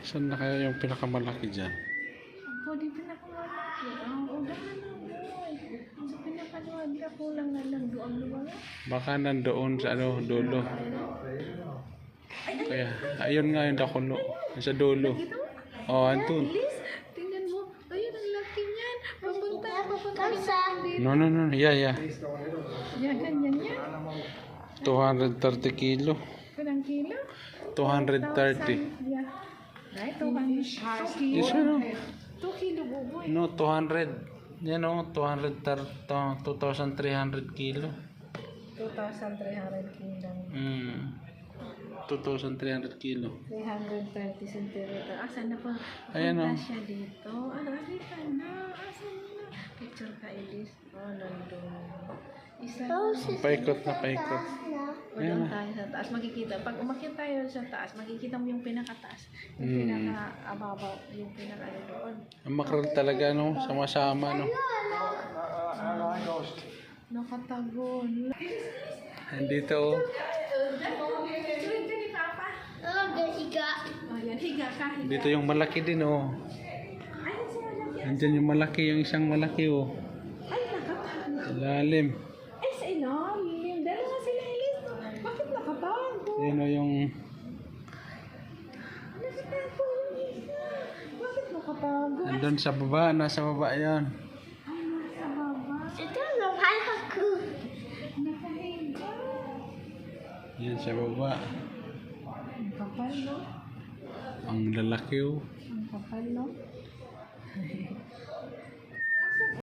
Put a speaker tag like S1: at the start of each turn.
S1: Saan na kaya yung pinakamalaki dyan?
S2: Ako, di pinakamalaki. Ang udahan na mo. Sa pinakaluwag na kulang na lang doon luwag.
S1: Baka nandoon sa ano, dulo. Kaya, ayun nga yung dakulo. Sa dulo. Oh, andun.
S2: Liz, tingnan mo. Ayun, ang laki niyan. Papunta dito.
S1: No. Yeah.
S2: Yan, ganyan yan.
S1: 230 kilo.
S2: Kanang kilo?
S1: 230.
S2: Yeah. Right, 200
S1: Yes,
S2: kilo.
S1: ano?
S2: 2 kilo, buboy.
S1: No, 200. Yan o, 2,300 kilo.
S2: 2,300 kilo.
S1: 2,300 kilo.
S2: 330 centimeter. Asan na po?
S1: Ayan,
S2: Punta
S1: oh.
S2: siya dito. Ano, dito na. Asan na? Picture ka, Elise. Oh, nandun. Isa na.
S1: Paikot na paikot.
S2: O doon tayo sa taas. Makikita. Pag umakyat tayo sa taas, makikita mo yung pinakataas. Yung pinaka-ababaw. Yung pinaka-ano doon.
S1: Ang makrel talaga, no? Sama-sama, no?
S2: Nakatagon.
S1: Andito, oh.
S2: Oh, yan. Higa ka. Higa.
S1: Dito yung malaki din, oh.
S2: Ay, sila lang.
S1: Andyan yung malaki, yung isang malaki, oh.
S2: Ay, nakatago.
S1: Lalim.
S2: Ay, sa ilalim. Dalawa sila, Elise. Bakit nakatago?
S1: Yan, oh, yung...
S2: Nakatago yung isa. Bakit nakatago? Ay,
S1: Andun sa baba, nasa baba yan.
S2: nasa baba. Nakahiga.
S1: Yan sa baba.
S2: Ang kapal, no?
S1: Ang lalaki, oh.
S2: Ang kapal, no?